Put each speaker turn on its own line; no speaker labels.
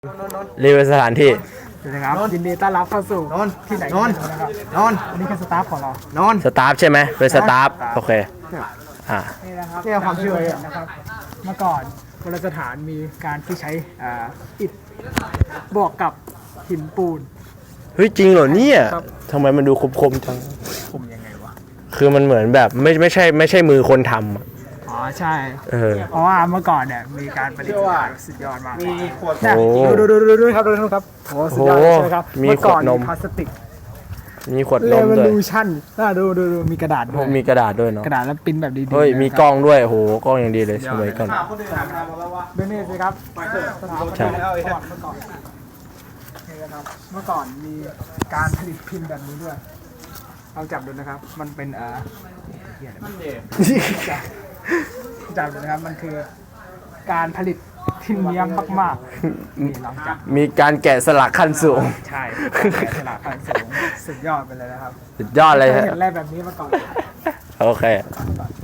รีวิวสถานที่
นะครับยินดีต้อนรับเข้าสู่ที่ไหนนะครับอันนี้คือสตาฟของเรา
สตาฟใช่ไหมเป็นสตาฟโอเค
นี่นะครับนี่ความเชื่อนะครับเมื่อก่อนโบราณสถานมีการที่ใช้อิฐบวกกับหินปูน
เฮ้ยจริงเหรอเนี่ยทำไมมันดูคมจัง
คมยังไงวะ
คือมันเหมือนแบบไม่ใช่มือคนทำ
อ๋อใช่เพราะว่าเมื่อก่อนเนี่ยมีการประดิษฐ์สุดยอดมากมีขวดดูครับดูครับโอ้สุดยอดใช่ไหมครับ
มีขวดนม
พลาสติก
มีขวดนมด้วย
ดูชั่นดูมีกระดาษด้วย
มีกระดาษด้วยเนาะ
กระดาษแล้วปิ้นแบบดีๆ
เฮ้ยมีกล้องด้วยโหกล้องอย่างดีเลยสวยกัน
ดูนี่สิครับสถาปัตยกรรมเมื่อก่อนนี่นะครับเมื่อก่อนมีการผลิตพิมพ์แบบนี้ด้วยเอาจับดูนะครับมันเป็นจับดูนะครับมันคือการผลิตที่เนียมมากๆนี่ลองจับ
มีการแกะสลักขั้นสูง
ใช่แกะสลักขั้นสูงสุดยอดไปเลยนะครับ
สุดยอดเลย
เห็นอะไรแบบนี้มาก่อน
โอเค